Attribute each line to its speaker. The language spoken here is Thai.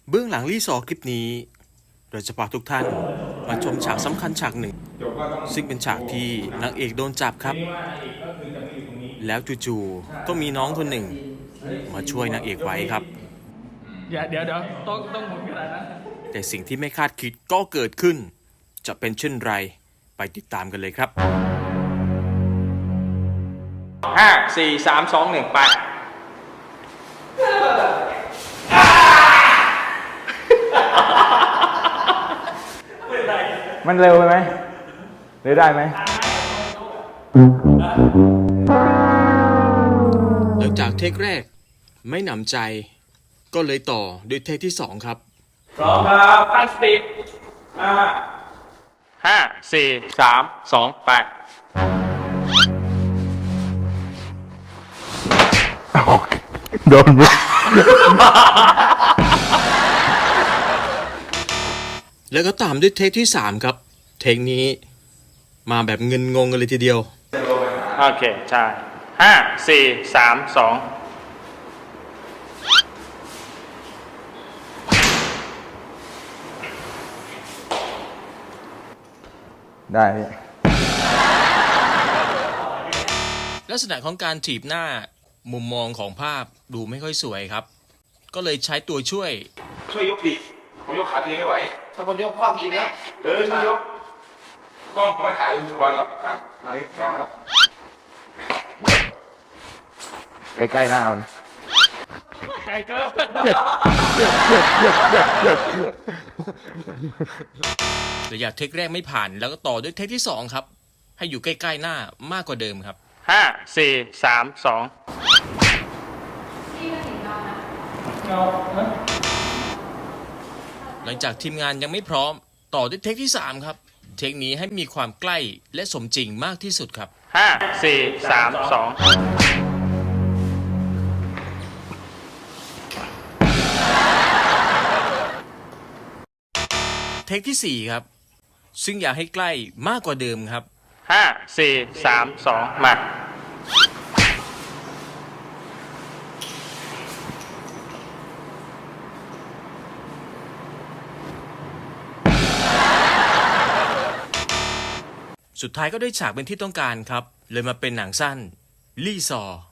Speaker 1: เบื้องหลังรีสอร์คลิปนี้เราจะพาทุกท่านมาชมฉากสำคัญฉากหนึ่งซึ่งเป็นฉากที่นางเอกโดนจับครับแล้วจู่ๆก็มีน้องคนหนึ่งมาช่วยนางเอกไว้ครับ
Speaker 2: เดี๋ยวต้องหมุนขนาดนั้น
Speaker 1: แต่สิ่งที่ไม่คาดคิดก็เกิดขึ้นจะเป็นเช่นไรไปติดตามกันเลยครับ
Speaker 2: 5 4 3 2 1ไป
Speaker 3: มันเร็วไปไหมหรือได้ไหม
Speaker 1: หลังจากเทคแรกไม่หนำใจก็เลยต่อด้วยเทคที่2ครับ
Speaker 2: พร้อมครับตั้งสติ5 4 3 2ไป
Speaker 3: โดนมุก
Speaker 1: แล้วก็ตามด้วยเทคที่3ครับเทคนี้มาแบบเงินงงกันเลยทีเดียว
Speaker 2: โอเคใช่5 4 3 2
Speaker 3: ได้
Speaker 1: ลักษณะของการถีบหน้ามุมมองของภาพดูไม่ค่อยสวยครับก็เลยใช้ตัวช่วย
Speaker 4: ยกดิผมยกขาตัวเองไม่ไหว
Speaker 5: ถ้าคนยกความจริงแล้ว
Speaker 4: ช่วยยกกล้องไม่ถ่ายทุกวันหรอกครับ
Speaker 3: ใกล้ๆหน้ามัน
Speaker 2: ไกลเกิน
Speaker 1: ระยะเทคแรกไม่ผ่านแล้วก็ต่อด้วยเทคที่2ครับให้อยู่ใกล้ๆหน้ามากกว่าเดิมครับ
Speaker 2: 5 4 3 2
Speaker 1: หลังจากทีมงานยังไม่พร้อมต่อด้วยเทคที่3ครับเทคนี้ให้มีความใกล้และสมจริงมากที่สุดครับ
Speaker 2: 5 4 3 2
Speaker 1: เทคที่4ครับซึ่งอยากให้ใกล้มากกว่าเดิมครับ
Speaker 2: 5 4 3 2มา
Speaker 1: สุดท้ายก็ได้ฉากเป็นที่ต้องการครับเลยมาเป็นหนังสั้นลี่ซอ